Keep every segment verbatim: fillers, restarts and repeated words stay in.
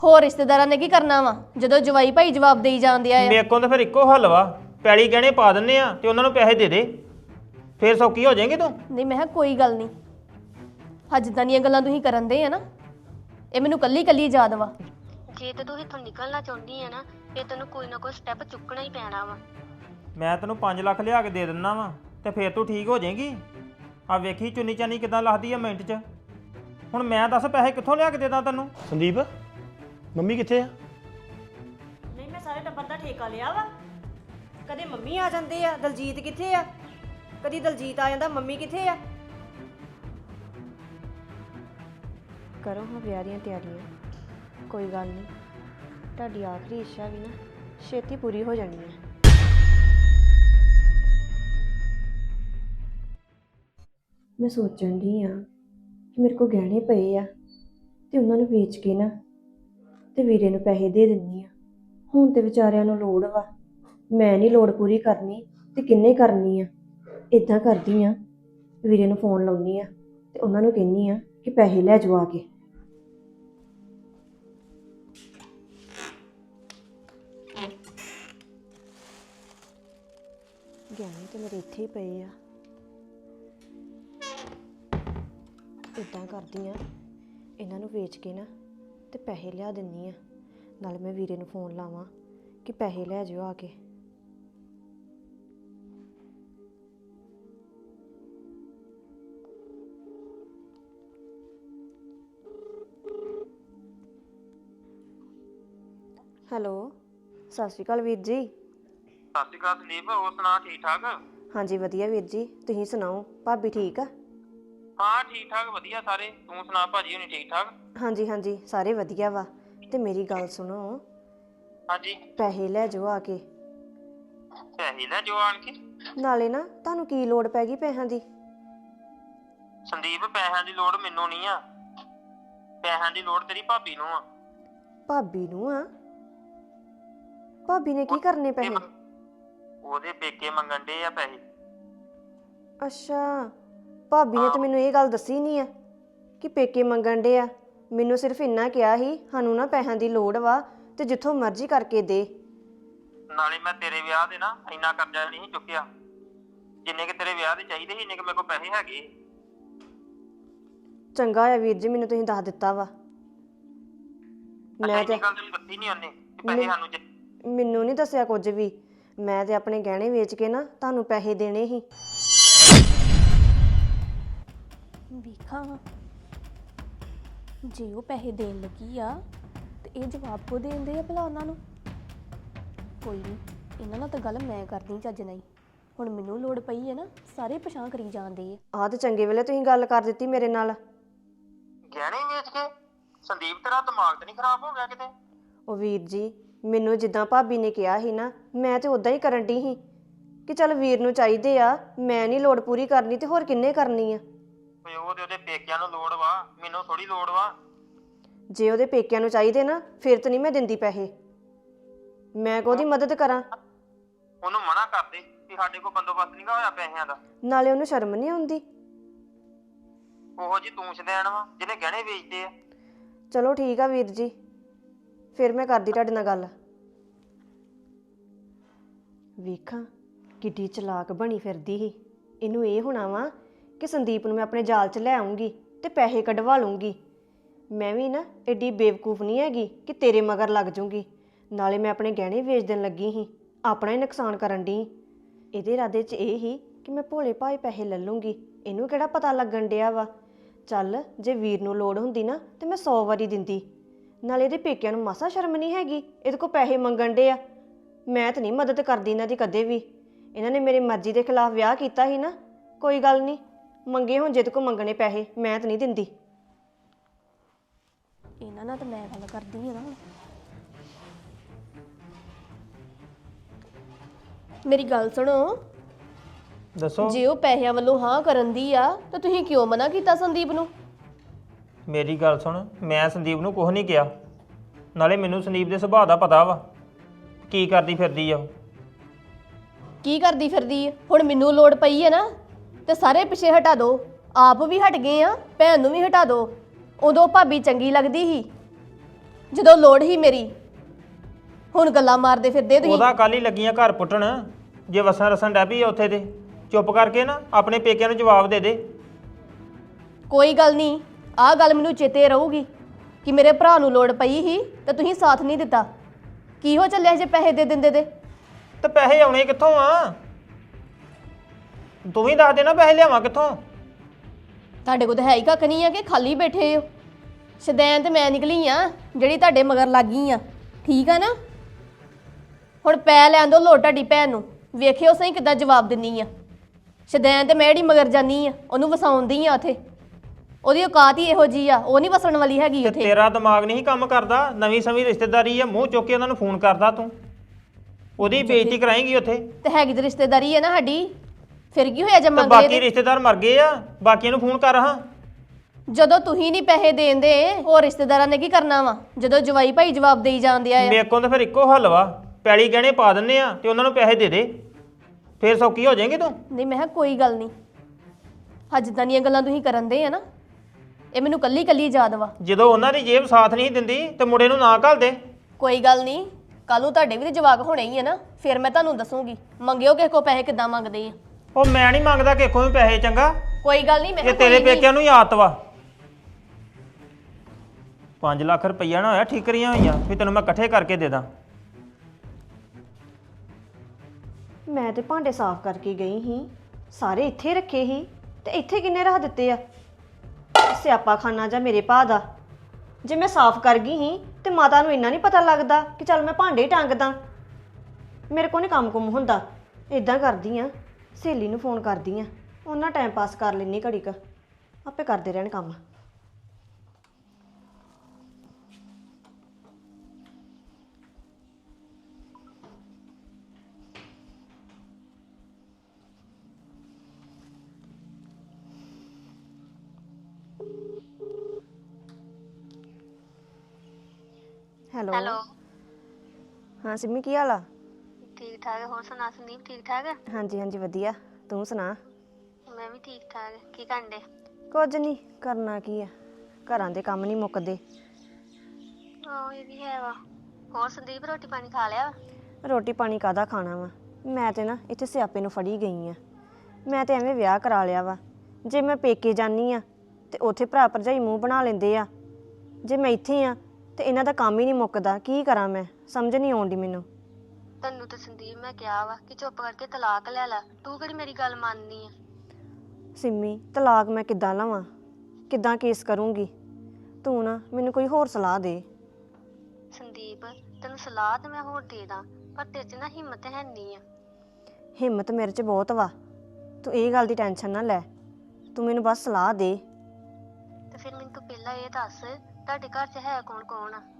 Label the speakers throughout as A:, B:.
A: ਹੋਰ ਰਿਸ਼ਤੇਦਾਰਾਂ ਨੇ ਕੀ ਕਰਨਾ ਵਾ ਜਦੋਂ ਜਵਾਈ ਭਾਈ ਜਵਾਬ ਦੇਈ ਜਾਂਦੇ ਆ।
B: ਮੇਰੇ ਕੋਲ ਤਾਂ ਫਿਰ ਇੱਕੋ ਹੱਲ ਵਾ, ਪੈਲੀ ਗਹਿਣੇ ਪਾ ਦਿੰਨੇ ਆ ਤੇ ਉਹਨਾਂ ਨੂੰ ਪੈਸੇ ਦੇ ਦੇ, ਫੇਰ ਸੌਖੀ ਹੋ ਜਾਏਗੀ ਤੂੰ।
A: ਨਹੀਂ ਮੈਂ ਕਿਹਾ ਕੋਈ ਗੱਲ ਨਹੀਂ, ਹਾਂ ਜਿੱਦਾਂ ਦੀਆਂ ਗੱਲਾਂ ਤੁਸੀਂ ਕਰਨ ਦੇ ਆ ਨਾ ਇਹ ਮੈਨੂੰ ਕੱਲੀ ਕੱਲੀ ਯਾਦ ਵਾ।
C: ਜੇ ਤੇ ਤੂੰ ਇੱਥੋਂ ਨਿਕਲਣਾ ਚਾਹੁੰਦੀ ਆ ਨਾ ਫਿਰ ਤੈਨੂੰ ਕੋਈ ਨਾ ਕੋਈ ਸਟੈਪ ਚੁੱਕਣਾ ਹੀ ਪੈਣਾ ਵਾ।
B: ਮੈਂ ਤੈਨੂੰ ਪੰਜ ਲੱਖ ਲਿਆ ਕੇ ਦੇ ਦਿੰਦਾ ਵਾ ਤੇ ਫੇਰ ਤੂੰ ਠੀਕ ਹੋ ਜਾਏਗੀ। ਆ ਵੇਖੀ ਚੁੰਨੀ ਚਾਨੀ ਕਿਦਾਂ ਲੱਥਦੀ ਆ ਮਿੰਟ 'ਚ। ਹੁਣ ਮੈਂ ਦੱਸ ਪੈਸੇ ਕਿੱਥੋਂ ਲਿਆ ਕੇ ਦੇ ਦਾਂ ਤੈਨੂੰ?
D: ਸੰਦੀਪ ਮੰਮੀ ਕਿੱਥੇ ਆ?
E: ਨਹੀਂ ਮੈਂ ਸਾਰੇ ਟੱਬਰ ਦਾ ਠੇਕਾ ਲਿਆ ਵਾ। ਕਦੇ ਮੰਮੀ ਆ ਜਾਂਦੇ ਆ, ਦਲਜੀਤ ਕਿੱਥੇ ਆ? ਕਦੀ ਦਲਜੀਤ ਆ ਜਾਂਦਾ, ਮੰਮੀ ਕਿੱਥੇ ਆ? ਕਰੋ ਹਾਂ ਵਿਆਹ ਦੀਆਂ ਤਿਆਰੀਆਂ। ਕੋਈ ਗੱਲ ਨਹੀਂ, ਤੁਹਾਡੀ ਆਖਰੀ ਇੱਛਾ ਵੀ ਨਾ ਛੇਤੀ ਪੂਰੀ ਹੋ ਜਾਣੀ ਹੈ। ਮੈਂ ਸੋਚਣ ਦੀ ਆ ਕਿ ਮੇਰੇ ਕੋਲ ਗਹਿਣੇ ਪਏ ਆ ਤੇ ਉਹਨਾਂ ਨੂੰ ਵੇਚ ਕੇ ਨਾ ਤੇ ਵੀਰੇ ਨੂੰ ਪੈਸੇ ਦੇ ਦਿੰਨੀ ਆ। ਹੁਣ ਤੇ ਵਿਚਾਰਿਆਂ ਨੂੰ ਲੋੜ ਵਾ, ਮੈਂ ਨਹੀਂ ਲੋੜ ਪੂਰੀ ਕਰਨੀ ਤੇ ਕਿੰਨੇ ਕਰਨੀ ਆ। ਇਦਾਂ ਕਰਦੀ ਆ, ਵੀਰੇ ਨੂੰ ਫੋਨ ਲਾਉਣੀ ਆ ਤੇ ਉਹਨਾਂ ਨੂੰ ਕਹਿੰਨੀ ਆ ਕਿ ਪੈਸੇ ਲੈ ਜਾਓ ਆ ਕੇ। ਗਹਿਣੇ ਤੇ ਮੇਰੇ ਇੱਥੇ ਹੀ ਪਏ ਆ। ਇਦਾਂ ਕਰਦੀ ਆ, ਇਹਨਾਂ ਨੂੰ ਵੇਚ ਕੇ ਨਾ ਤੇ ਪੈਸੇ ਲਿਆ ਦਿੰਨੀ ਆ। ਨਾਲ ਮੈਂ ਵੀਰੇ ਨੂੰ ਫੋਨ ਲਾਵਾਂ ਕਿ ਪੈਸੇ ਲੈ ਜਾਓ ਆ ਕੇ। ਹੈਲੋ, ਸਤਿ ਸ਼੍ਰੀ ਅਕਾਲ ਵੀਰ ਜੀ।
B: ਸਤਿ ਸ਼੍ਰੀ ਅਕਾਲ ਸੰਦੀਪ, ਹੋਰ ਸੁਣਾ ਠੀਕ ਠਾਕ?
E: ਹਾਂਜੀ ਵਧੀਆ ਵੀਰ ਜੀ, ਤੁਸੀਂ ਸੁਣਾਓ? ਭਾਬੀ ਠੀਕ ਆ?
B: ਹਾਂ ਠੀਕ ਠਾਕ ਵਧੀਆ ਸਾਰੇ, ਤੂੰ ਸੁਣਾ ਭਾਜੀ ਹੋਣੀ ਠੀਕ ਠਾਕ?
E: ਹਾਂਜੀ ਹਾਂਜੀ ਸਾਰੇ ਵਧੀਆ ਵਾ। ਤੇ ਮੇਰੀ ਗੱਲ ਸੁਣੋ,
B: ਹਾਂਜੀ
E: ਪੈਸੇ ਲੈ ਜਾਓ ਆ ਕੇ।
B: ਪੈਸੇ ਲੈ ਜੋ ਆਣ ਕੇ।
E: ਨਾਲੇ ਨਾ ਤੁਹਾਨੂੰ ਕੀ ਲੋੜ ਪੈ ਗਈ ਪੈਸਿਆਂ ਦੀ?
B: ਸੰਦੀਪ ਪੈਸਿਆਂ ਦੀ ਲੋੜ ਮੈਨੂੰ ਨਹੀਂ ਆ, ਪੈਸਿਆਂ ਦੀ ਲੋੜ ਤੇਰੀ ਭਾਬੀ ਨੂੰ ਆ।
E: ਭਾਬੀ ਨੂੰ ਆ? ਭਾਬੀ ਨੇ ਕੀ ਕਰਨੇ ਪੈਸੇ?
B: ਉਹਦੇ ਪੇਕੇ ਮੰਗਣ ਦੇ ਆ ਪੈਸੇ।
E: ਅੱਛਾ, ਭਾਬੀ ਨੇ ਤਾਂ ਮੈਨੂੰ ਇਹ ਗੱਲ ਦੱਸੀ ਨਹੀਂ ਆ ਕਿ ਪੇਕੇ ਮੰਗਣ ਦੇ ਆ। ਮੈਨੂੰ ਸਿਰਫ ਇੰਨਾ ਕਿਹਾ ਸੀ ਸਾਨੂੰ ਨਾ ਪੈਸਿਆਂ ਦੀ ਲੋੜ ਵਾ ਤੇ ਜਿੱਥੋਂ ਮਰਜ਼ੀ ਕਰਕੇ ਦੇ।
B: ਨਾਲੇ ਮੈਂ ਤੇਰੇ ਵਿਆਹ ਦੇ ਨਾ ਇੰਨਾ ਕਰਜ਼ਾ ਨਹੀਂ ਚੁੱਕਿਆ, ਜਿੰਨੇ ਕਿ ਤੇਰੇ ਵਿਆਹ ਦੇ ਚਾਹੀਦੇ ਸੀ ਇੰਨੇ ਕਿ ਮੇਰੇ ਕੋਲ ਪੈਸੇ ਹੈਗੇ।
E: ਚੰਗਾ ਆ ਵੀਰ ਜੀ, ਮੈਨੂੰ ਤੁਸੀਂ ਦੱਸ ਦਿੱਤਾ ਵਾ। ਮੈਂ ਤੇ
B: ਗੱਲ ਤੈਨੂੰ ਦੱਸੀ ਨਹੀਂ ਉਹਨੇ ਕਿ ਪੈਸੇ ਸਾਨੂੰ ਚਾਹੀਦੇ।
E: ਮੈਨੂੰ ਨਹੀਂ ਦੱਸਿਆ ਕੁਝ ਵੀ। ਮੈਂ ਤੇ ਆਪਣੇ ਗਹਿਣੇ ਵੇਚ ਕੇ ਨਾ ਤੁਹਾਨੂੰ ਪੈਸੇ ਦੇਣੇ ਸੀ।
A: ਵੇਖਾਂ ਜੇ ਉਹ ਪੈਸੇ ਦੇਣ ਲੱਗੀ ਆ ਤੇ ਇਹ ਜਵਾਬ ਕੋ ਦੇਂਦੇ ਆ ਭਲਾ ਉਹਨਾਂ ਨੂੰ? ਕੋਈ ਨਹੀਂ, ਇਹਨਾਂ ਨਾਲ ਤਾਂ ਗੱਲ ਮੈਂ ਕਰਨੀ ਚੱਜ ਨਹੀਂ। ਹੁਣ ਮੈਨੂੰ ਲੋੜ ਪਈ ਹੈ ਨਾ, ਸਾਰੇ ਪਛਾਣ ਕਰੀ ਜਾਂਦੇ ਆ।
E: ਆਹ ਤੇ ਚੰਗੇ ਵੇਲੇ ਤੁਸੀਂ ਗੱਲ ਕਰ ਦਿੱਤੀ ਮੇਰੇ ਨਾਲ।
B: ਗਹਿਣੇ ਵੇਚ ਕੇ? ਸੰਦੀਪ ਤੇਰਾ ਦਿਮਾਗ ਤੇ ਨਹੀਂ ਖਰਾਬ ਹੋ ਗਿਆ ਕਿਤੇ?
E: ਉਹ ਵੀਰ ਜੀ, ਮੈਨੂੰ ਜਿੱਦਾਂ ਭਾਬੀ ਨੇ ਕਿਹਾ ਸੀ ਨਾ, ਮੈਂ ਤੇ ਉਦਾਂ ਹੀ ਕਰਨ ਡਈ ਸੀ ਕਿ ਚੱਲ ਵੀਰ ਨੂੰ ਚਾਹੀਦੇ ਆ, ਮੈਂ ਨਹੀਂ ਲੋੜ ਪੂਰੀ ਕਰਨੀ ਤੇ ਹੋਰ ਕਿੰਨੇ ਕਰਨੀ ਆ।
B: ਓਏ ਉਹਦੇ ਉਹਦੇ ਪੇਕਿਆਂ ਨੂੰ ਲੋੜ ਵਾ, ਮੈਨੂੰ ਥੋੜੀ ਲੋੜ ਵਾ।
E: ਜੇ ਉਹਦੇ ਪੇਕਿਆਂ ਨੂੰ ਚਾਹੀਦੇ ਨਾ ਫਿਰ ਤਾਂ ਨਹੀਂ ਮੈਂ ਦਿੰਦੀ ਪੈਸੇ। ਮੈਂ ਕੋਹਦੀ ਮਦਦ ਕਰਾਂ?
B: ਉਹਨੂੰ ਮਨਾ ਕਰ ਦੇ ਕਿ ਸਾਡੇ ਕੋਲ ਬੰਦੋਬਸਤ ਨਹੀਂ ਹੋਇਆ ਪੈਸਿਆਂ ਦਾ।
E: ਨਾਲੇ ਉਹਨੂੰ ਸ਼ਰਮ ਨਹੀਂ ਆਉਂਦੀ?
B: ਉਹੋ ਜੀ ਤੂੰ ਸ਼ਦੈਣ ਵਾ ਜਿਹਨੇ ਗਹਿਣੇ ਵੇਚਦੇ ਆ।
E: ਚਲੋ ਠੀਕ ਆ ਵੀਰ ਜੀ, ਫਿਰ ਮੈਂ ਕਰਦੀ ਤੁਹਾਡੇ ਨਾਲ ਗੱਲ। ਵੇਖਾਂ ਕਿੱਡੀ ਚਲਾਕ ਬਣੀ ਫਿਰਦੀ ਸੀ। ਇਹਨੂੰ ਇਹ ਹੋਣਾ ਵਾ ਕਿ ਸੰਦੀਪ ਨੂੰ ਮੈਂ ਆਪਣੇ ਜਾਲ 'ਚ ਲੈ ਆਉਂਗੀ ਤੇ ਪੈਸੇ ਕਢਵਾ ਲੂੰਗੀ। ਮੈਂ ਵੀ ਨਾ ਐਡੀ ਬੇਵਕੂਫ ਨਹੀਂ ਹੈਗੀ ਕਿ ਤੇਰੇ ਮਗਰ ਲੱਗ ਜੂੰਗੀ। ਨਾਲੇ ਮੈਂ ਆਪਣੇ ਗਹਿਣੇ ਵੇਚ ਦੇਣ ਲੱਗੀ ਸੀ, ਆਪਣਾ ਹੀ ਨੁਕਸਾਨ ਕਰਨ ਡਈ। ਇਹਦੇ ਇਰਾਦੇ 'ਚ ਇਹ ਹੀ ਕਿ ਮੈਂ ਭੋਲੇ ਭਾਏ ਪੈਸੇ ਲੈ ਲੂੰਗੀ, ਇਹਨੂੰ ਕਿਹੜਾ ਪਤਾ ਲੱਗਣ ਡਿਆ ਵਾ। ਚੱਲ ਜੇ ਵੀਰ ਨੂੰ ਲੋੜ ਹੁੰਦੀ ਨਾ ਤੇ ਮੈਂ ਸੌ ਵਾਰੀ ਦਿੰਦੀ। ਨਾਲੇ ਇਹਦੇ ਪੇਕਿਆਂ ਨੂੰ ਮਾਸਾ ਸ਼ਰਮ ਨਹੀਂ ਹੈਗੀ, ਇਹਦੇ ਕੋਲ ਪੈਸੇ ਮੰਗਣ ਡੇ ਆ। ਮੈਂ ਤਾਂ ਨਹੀਂ ਮਦਦ ਕਰਦੀ ਇਹਨਾਂ ਦੀ ਕਦੇ ਵੀ। ਇਹਨਾਂ ਨੇ ਮੇਰੀ ਮਰਜ਼ੀ ਦੇ ਖਿਲਾਫ ਵਿਆਹ ਕੀਤਾ ਸੀ ਨਾ, ਕੋਈ ਗੱਲ ਨਹੀਂ, ਮੰਗੇ ਹੁਣ ਜਿਹਦੇ ਕੋਲ ਮੰਗਣੇ ਪੈਸੇ, ਮੈਂ ਤਾਂ ਨਹੀਂ ਦਿੰਦੀ।
A: ਇਹਨਾਂ ਨਾਲ ਤਾਂ ਮੈਂ ਗੱਲ ਕਰਦੀ ਆ ਨਾ। ਮੇਰੀ ਗੱਲ ਸੁਣੋ,
B: ਦੱਸੋ।
A: ਜੇ ਉਹ ਪੈਸਿਆਂ ਵੱਲੋਂ ਹਾਂ ਕਰਨ ਦੀ ਆ ਤਾਂ ਤੁਸੀਂ ਕਿਉਂ ਮਨਾ ਕੀਤਾ ਸੰਦੀਪ ਨੂੰ?
B: ਮੇਰੀ ਗੱਲ ਸੁਣ, ਮੈਂ ਸੰਦੀਪ ਨੂੰ ਕੁਝ ਨਹੀਂ ਕਿਹਾ। ਨਾਲੇ ਮੈਨੂੰ ਸੰਦੀਪ ਦੇ ਸੁਭਾਅ ਦਾ ਪਤਾ ਵਾ ਕੀ ਕਰਦੀ ਫਿਰਦੀ ਆ ਉਹ।
A: ਕੀ ਕਰਦੀ ਫਿਰਦੀ ਆ? ਹੁਣ ਮੈਨੂੰ ਲੋੜ ਪਈ ਹੈ ਨਾ ਤੇ ਸਾਰੇ ਪਿੱਛੇ ਹਟਾ ਦਿਓ। ਆਪ ਵੀ ਹਟ ਗਏ ਆ, ਭੈਣ ਨੂੰ ਵੀ ਹਟਾ ਦਿਓ। ਉਦੋਂ ਭਾਬੀ ਚੰਗੀ ਲੱਗਦੀ ਸੀ, ਜਦੋਂ ਲੋੜ ਹੀ ਮੇਰੀ। ਹੁਣ ਗੱਲਾਂ ਮਾਰਦੇ ਫਿਰਦੇ ਤੁਸੀਂ।
B: ਉਹਦਾ ਕੱਲ ਹੀ ਲੱਗੀਆਂ ਘਰ ਪੁੱਟਣ, ਜੇ ਵਸਣ ਰਸਣ ਡੈ ਪਈ ਆ ਉੱਥੇ ਤੇ ਚੁੱਪ ਕਰਕੇ ਨਾ ਆਪਣੇ ਪੇਕਿਆਂ ਨੂੰ ਜਵਾਬ ਦੇ ਦੇ।
A: ਕੋਈ ਗੱਲ ਨਹੀਂ, ਆਹ ਗੱਲ ਮੈਨੂੰ ਚੇਤੇ ਰਹੂਗੀ ਕਿ ਮੇਰੇ ਭਰਾ ਨੂੰ ਲੋੜ ਪਈ ਸੀ ਤੇ ਤੁਸੀਂ ਸਾਥ ਨਹੀਂ ਦਿੱਤਾ। ਕੀ ਹੋ ਚੱਲਿਆ ਜੇ ਪੈਸੇ ਦੇ ਦਿੰਦੇ ਤੇ?
B: ਤੇ ਪੈਸੇ ਆਉਣੇ ਕਿੱਥੋਂ ਆ? ਤੂੰ ਵੀ ਦੱਸ ਦੇ ਨਾ ਪੈਸੇ ਲਿਆਵਾਂ ਕਿੱਥੋਂ?
A: ਤੁਹਾਡੇ ਕੋਲ ਤਾਂ ਹੈ ਹੀ ਕੱਖ ਨਹੀਂ ਆ ਕਿ ਖਾਲੀ ਬੈਠੇ ਹੋ। ਸ਼ਦੈਨ ਤੇ ਮੈਂ ਨਿਕਲੀ ਆ ਜਿਹੜੀ ਤੁਹਾਡੇ ਮਗਰ ਲੱਗ ਗਈ ਆ, ਠੀਕ ਆ ਨਾ? ਹੁਣ ਪੈ ਲੈਣ ਦੋ ਲੋੜ ਤੁਹਾਡੀ ਭੈਣ ਨੂੰ, ਵੇਖਿਓ ਸਹੀ ਕਿੱਦਾਂ ਜਵਾਬ ਦਿੰਨੀ ਆ। ਸ਼ਦੈਨ ਤੇ ਮੈਂ ਜਿਹੜੀ ਮਗਰ ਜਾਨੀ ਆ ਉਹਨੂੰ ਵਸਾਉਂਦੀ ਆ ਉੱਥੇ। ਉਹਦੀ ਔਕਾਤ ਹੀ ਇਹੋ ਜੀ ਆ, ਉਹ ਨਹੀਂ ਵਸਣ ਵਾਲੀ ਹੈਗੀ
B: ਤੇ
A: ਉੱਥੇ।
B: ਤੇਰਾ ਦਿਮਾਗ ਨਹੀਂ ਕੰਮ ਕਰਦਾ? ਨਵੀਂ ਸਮੀ ਰਿਸ਼ਤੇਦਾਰੀ ਆ, ਮੂੰਹ ਚੁੱਕ ਕੇ ਉਹਨਾਂ ਨੂੰ ਫੋਨ ਕਰਦਾ ਤੂੰ, ਉਹਦੀ ਬੇਇੱਜ਼ਤੀ ਕਰਾਏਂਗੀ ਉੱਥੇ।
A: ਤੇ ਹੈਗੀ ਤੇ ਰਿਸ਼ਤੇਦਾਰੀ ਹੈ ਨਾ ਸਾਡੀ, ਫਿਰ ਕੀ ਹੋਇਆ ਜੇ
B: ਤੇ
A: ਮੰਗ
B: ਬਾਕੀ
A: ਲਏ ਤੇ?
B: ਰਿਸ਼ਤੇਦਾਰ ਮਰ ਗਏ ਆ, ਬਾਕੀਆਂ ਨੂੰ ਫੋਨ ਕਰ ਹਾਂ।
A: ਜਦੋਂ ਤੁਸੀਂ ਨਹੀਂ ਪੈਸੇ ਦੇਂਦੇ ਹੋਰ ਰਿਸ਼ਤੇਦਾਰਾਂ ਨੇ ਕੀ ਕਰਨਾ ਵਾ? ਜਦੋਂ ਜਵਾਈ ਭਾਈ ਜਵਾਬ ਦੇਈ ਜਾਂਦੇ ਆ।
B: ਮੇਰੇ ਕੋਲ ਤਾਂ ਫਿਰ ਇੱਕੋ ਹੱਲ ਵਾ, ਪੈਲੀ ਗਹਿਣੇ ਪਾ ਦਿੰਨੇ ਆ ਤੇ ਉਹਨਾਂ ਨੂੰ ਪੈਸੇ ਦੇ ਦੇ, ਫੇਰ ਸੌਖੀ ਹੋ ਜਾਏਗੀ ਤੂੰ।
A: ਨਹੀਂ ਮੈਂ ਕਿਹਾ ਕੋਈ ਗੱਲ ਨਹੀਂ, ਅੱਜ ਜਿੱਦਾਂ ਦੀਆਂ ਗੱਲਾਂ ਤੁਸੀਂ ਕਰਨ ਦੇ ਆ ਨਾ, ਇਹ ਮੈਨੂੰ ਕੱਲੀ ਕੱਲੀ ਯਾਦ ਵਾ।
B: ਜਦੋਂ ਉਹਨਾਂ ਦੀ ਜੇਬ ਸਾਥ ਨਹੀਂ ਦਿੰਦੀ ਤੇ ਮੁੰਡੇ ਨੂੰ ਨਾ ਘੱਲ ਦੇ।
A: ਕੋਈ ਗੱਲ ਨਹੀਂ, ਕੱਲ ਨੂੰ ਤੁਹਾਡੇ ਵੀ ਤੇ ਜਵਾਕ ਹੋਣੇ ਹੀ ਆ ਨਾ, ਫਿਰ ਮੈਂ ਤੁਹਾਨੂੰ ਦੱਸੂਗੀ ਮੰਗਿਓ ਕਿਸੇ ਕੋ ਪੈਸੇ ਕਿੱਦਾਂ ਮੰਗਦੇ ਆ।
B: ਉਹ ਮੈਂ ਨਹੀਂ ਮੰਗਦਾ ਕਿਸੇ ਕੋਲੋਂ ਵੀ ਪੈਸੇ, ਚੰਗਾ?
A: ਕੋਈ ਗੱਲ ਨਹੀਂ, ਮੈਂ
B: ਇਹ
A: ਕਿਹਾ
B: ਤੇਰੇ
A: ਕੋਈ ਨੀ।
B: ਪੇਕਿਆਂ ਨੂੰ ਹੀ ਆਦਤ ਵਾ। ਪੰਜ ਲੱਖ ਰੁਪਈਆ ਨਾ ਹੋਇਆ ਠੀਕਰੀਆਂ ਹੋਈਆਂ ਵੀ ਤੈਨੂੰ ਮੈਂ ਇਕੱਠੇ ਕਰਕੇ ਦੇ ਦਾਂ।
E: ਮੈਂ ਤੇ ਭਾਂਡੇ ਸਾਫ਼ ਕਰਕੇ ਗਈ ਸੀ, ਸਾਰੇ ਇੱਥੇ ਰੱਖੇ ਸੀ ਤੇ ਇੱਥੇ ਕਿੰਨੇ ਰੱਖ ਦਿੱਤੇ ਆ? ਸਿਆਪਾ ਖਾਨਾ ਜਾਂ ਮੇਰੇ ਭਾ ਦਾ। ਜੇ ਮੈਂ ਸਾਫ਼ ਕਰ ਗਈ ਸੀ ਤੇ ਮਾਤਾ ਨੂੰ ਇੰਨਾ ਨਹੀਂ ਪਤਾ ਲੱਗਦਾ ਕਿ ਚੱਲ ਮੈਂ ਭਾਂਡੇ ਹੀ ਟੰਗਦਾ। ਮੇਰੇ ਕੋਲ ਨਹੀਂ ਕੰਮ ਕੁਮ ਹੁੰਦਾ। ਇਦਾਂ ਕਰਦੀ ਆ, ਸਹੇਲੀ ਨੂੰ ਫੋਨ ਕਰਦੀ ਆ, ਉਹਨਾਂ ਟਾਈਮ ਪਾਸ ਕਰ ਲੈਣੀ ਘੜੀ ਕ, ਆਪੇ ਕਰਦੇ ਰਹਿਣ ਕੰਮ। ਹੈਲੋ
C: ਹੈਲੋ,
E: ਹਾਂ ਸਿੰਮੀ, ਕੀ ਹਾਲ ਆ?
C: ਠੀਕ ਠਾਕ। ਹੋਰ ਸੁਣਾ ਸੰਦੀਪ, ਠੀਕ ਠਾਕ?
E: ਹਾਂਜੀ ਹਾਂਜੀ ਵਧੀਆ, ਤੂੰ ਸੁਣਾ?
C: ਮੈਂ ਵੀ ਠੀਕ ਠਾਕ। ਕੀ ਕਰਨ ਡੇ?
E: ਕੁਝ ਨਹੀਂ ਕਰਨਾ, ਕੀ ਆ, ਘਰਾਂ ਦੇ ਕੰਮ ਨਹੀਂ ਮੁੱਕਦੇ।
C: ਆਹ ਇਹ ਵੀ ਹੈ ਵਾ। ਹੋਰ ਸੰਦੀਪ, ਰੋਟੀ ਪਾਣੀ ਖਾ ਲਿਆ?
E: ਰੋਟੀ ਪਾਣੀ ਕਾਹਦਾ ਖਾਣਾ ਵਾ? ਮੈਂ ਤੇ ਨਾ ਇੱਥੇ ਸਿਆਪੇ ਨੂੰ ਫੜੀ ਗਈ ਆ। ਮੈਂ ਤੇ ਐਵੇਂ ਵਿਆਹ ਕਰਾ ਲਿਆ ਵਾ। ਜੇ ਮੈਂ ਪੇਕੇ ਜਾਨੀ ਆ ਤੇ ਉੱਥੇ ਭਰਾ ਭਰਜਾਈ ਮੂੰਹ ਬਣਾ ਲੈਂਦੇ ਆ। ਜੇ ਮੈਂ ਇੱਥੇ ਆ ਤੇ ਇਹਨਾਂ ਦਾ ਕੰਮ ਹੀ ਨਹੀਂ ਮੁੱਕਦਾ। ਕੀ ਕਰਾਂ ਮੈਂ, ਸਮਝ ਨਹੀਂ ਆਉਂਦੀ ਮੈਨੂੰ।
C: ਤੈਨੂੰ ਤਾਂ ਸੰਦੀਪ ਮੈਂ ਕਿਹਾ ਵਾ ਕਿ ਚੁੱਪ ਕਰਕੇ ਤਲਾਕ ਲੈ ਲੈ, ਤੂੰ ਕਿਹੜੀ ਮੇਰੀ ਗੱਲ ਮੰਨਨੀ ਆ?
E: ਸਿੰਮੀ, ਤਲਾਕ ਮੈਂ ਕਿੱਦਾਂ ਲਵਾਂ, ਕਿੱਦਾਂ ਕੇਸ ਕਰੂੰਗੀ? ਤੂੰ ਨਾ ਮੈਨੂੰ ਕੋਈ ਹੋਰ ਸਲਾਹ ਦੇ।
C: ਸੰਦੀਪ, ਤੈਨੂੰ ਸਲਾਹ ਤਾਂ ਮੈਂ ਹੋਰ ਦੇ ਦਾਂ, ਪਰ ਤੇਰੇ 'ਚ ਨਾ ਹਿੰਮਤ ਹੈ ਨਹੀਂ ਆ।
E: ਹਿੰਮਤ ਮੇਰੇ 'ਚ ਬਹੁਤ ਵਾ, ਤੂੰ ਇਹ ਗੱਲ ਦੀ ਟੈਨਸ਼ਨ ਨਾ ਲੈ, ਤੂੰ ਮੈਨੂੰ ਬਸ ਸਲਾਹ ਦੇ।
C: ਤੇ ਫਿਰ ਮੈਨੂੰ ਤੂੰ ਪਹਿਲਾਂ ਇਹ ਦੱਸ, ਤੁਹਾਡੇ ਘਰ 'ਚ ਹੈ ਕੌਣ ਕੌਣ ਆ?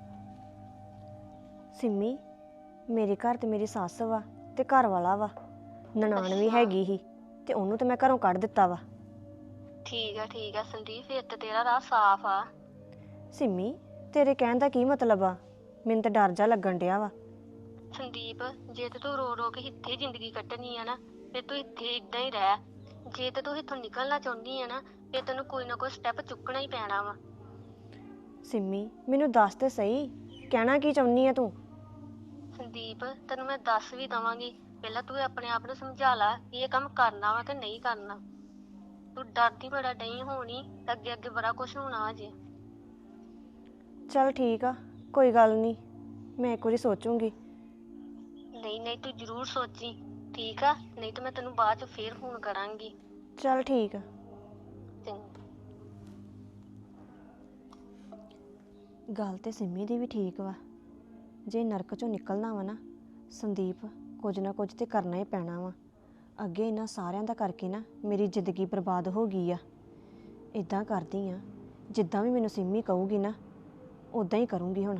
E: ਸਿੰਮੀ, ਮੇਰੇ ਘਰ ਤੇ ਮੇਰੀ ਸੱਸ ਵਾ ਤੇ ਘਰ ਵਾਲਾ ਵਾ, ਨਨਾਣ ਵੀ ਹੈਗੀ ਹੀ ਤੇ ਉਹਨੂੰ ਤੇ ਮੈਂ ਘਰੋਂ ਕੱਢ ਦਿੱਤਾ ਵਾ।
C: ਠੀਕ ਆ ਠੀਕ ਆ ਸੰਦੀਪ, ਫਿਰ ਤਾਂ ਤੇਰਾ ਰਾਹ ਸਾਫ਼ ਆ।
E: ਸਿੰਮੀ, ਤੇਰੇ ਕਹਿਣ ਦਾ ਕੀ ਮਤਲਬ ਆ? ਮੈਨੂੰ ਤਾਂ ਡਰ ਜਾ ਲੱਗਣ ਡਿਆ ਵਾ।
C: ਸੰਦੀਪ, ਜੇ ਤੇ ਤੂੰ ਰੋ ਰੋ ਕੇ ਇੱਥੇ ਜ਼ਿੰਦਗੀ ਕੱਟਣੀ ਆ ਨਾ, ਫਿਰ ਤੂੰ ਇੱਥੇ ਇਦਾਂ ਹੀ ਰਹਿ। ਜੇ ਤੇ ਤੂੰ ਇੱਥੋਂ ਨਿਕਲਣਾ ਚਾਹੁੰਦੀ ਆ ਨਾ, ਫਿਰ ਤੈਨੂੰ ਕੋਈ ਨਾ ਕੋਈ ਸਟੈਪ ਚੁੱਕਣਾ ਹੀ ਪੈਣਾ ਵਾ।
E: ਸਿੰਮੀ, ਮੈਨੂੰ ਦੱਸ ਤੇ ਸਹੀ, ਕਹਿਣਾ ਕੀ ਚਾਹੁੰਦੀ ਆ ਤੂੰ?
C: ਸੰਦੀਪ, ਤੈਨੂੰ ਮੈਂ ਦੱਸ ਵੀ ਦਵਾਂਗੀ, ਪਹਿਲਾਂ ਤੂੰ ਆਪਣੇ ਆਪ ਨੂੰ ਸਮਝਾ ਲੈ ਕਿ ਇਹ ਕੰਮ ਕਰਨਾ ਵਾ ਕਿ ਨਹੀਂ ਕਰਨਾ। ਤੂੰ ਡਰਦੀ ਬੜਾ ਨਹੀਂ ਹੋਣੀ, ਅੱਗੇ ਅੱਗੇ ਬੜਾ ਕੁਝ ਹੋਣਾ ਅਜੇ।
E: ਚੱਲ ਠੀਕ ਆ, ਕੋਈ ਗੱਲ ਨਹੀਂ, ਮੈਂ ਇੱਕ ਵਾਰੀ ਸੋਚੂੰਗੀ।
C: ਨਹੀਂ ਨਹੀਂ, ਤੂੰ ਜ਼ਰੂਰ ਸੋਚੀ, ਠੀਕ ਆ? ਨਹੀਂ ਤਾਂ ਮੈਂ ਤੈਨੂੰ ਬਾਅਦ ਚ ਫੇਰ ਫੋਨ ਕਰਾਂਗੀ।
E: ਚੱਲ ਠੀਕ ਆ।
C: ਚੰਗਾ।
E: ਗੱਲ ਤੇ ਸਿੰਮੀ ਦੀ ਵੀ ਠੀਕ ਵਾ। ਜੇ ਨਰਕ ਚੋਂ ਨਿਕਲਣਾ ਵਾ ਨਾ ਸੰਦੀਪ, ਕੁਝ ਨਾ ਕੁਝ ਤੇ ਕਰਨਾ ਹੀ ਪੈਣਾ ਵਾ। ਅੱਗੇ ਇਹਨਾਂ ਸਾਰਿਆਂ ਦਾ ਕਰਕੇ ਨਾ ਮੇਰੀ ਜ਼ਿੰਦਗੀ ਬਰਬਾਦ ਹੋ ਗਈ ਆ। ਇਦਾਂ ਕਰਦੀ ਆ, ਜਿੱਦਾਂ ਵੀ ਮੈਨੂੰ ਸਿੰਮੀ ਕਹੂਗੀ ਨਾ ਉਦਾਂ ਹੀ ਕਰੂੰਗੀ ਹੁਣ।